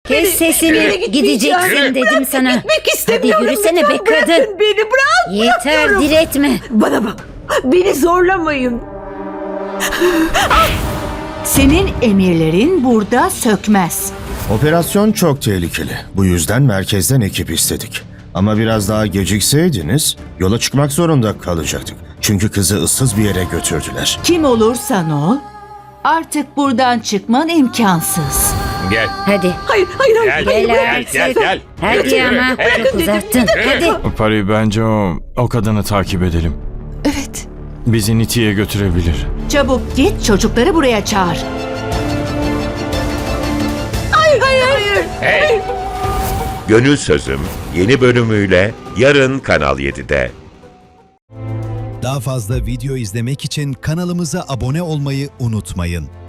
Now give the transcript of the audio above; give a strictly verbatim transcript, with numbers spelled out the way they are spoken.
Kes sesini, gideceksin dedim sana. Gitmek Hadi istemiyorum. yürüsene be Lütfen bırakın kadın. beni, bırak. Yeter, bırakıyorum. diretme. Bana bak, beni zorlamayın. Senin emirlerin burada sökmez. Operasyon çok tehlikeli. Bu yüzden merkezden ekip istedik. Ama biraz daha gecikseydiniz yola çıkmak zorunda kalacaktık. Çünkü kızı ıssız bir yere götürdüler. Kim olursan ol, artık buradan çıkman imkansız. Gel. Hadi. Hayır, hayır, hayır. Gel, hayır, Gel hayır. gel, gel, gel. Hadi Yürü, ama hey. çok uzattın. Hadi. Pari, bence o, o kadını takip edelim. Evet. Bizi Niti'ye götürebilir. Çabuk git, çocukları buraya çağır. Hayır, hayır, hayır. Hey. Gönül Sözüm yeni bölümüyle yarın Kanal yedide. Daha fazla video izlemek için kanalımıza abone olmayı unutmayın.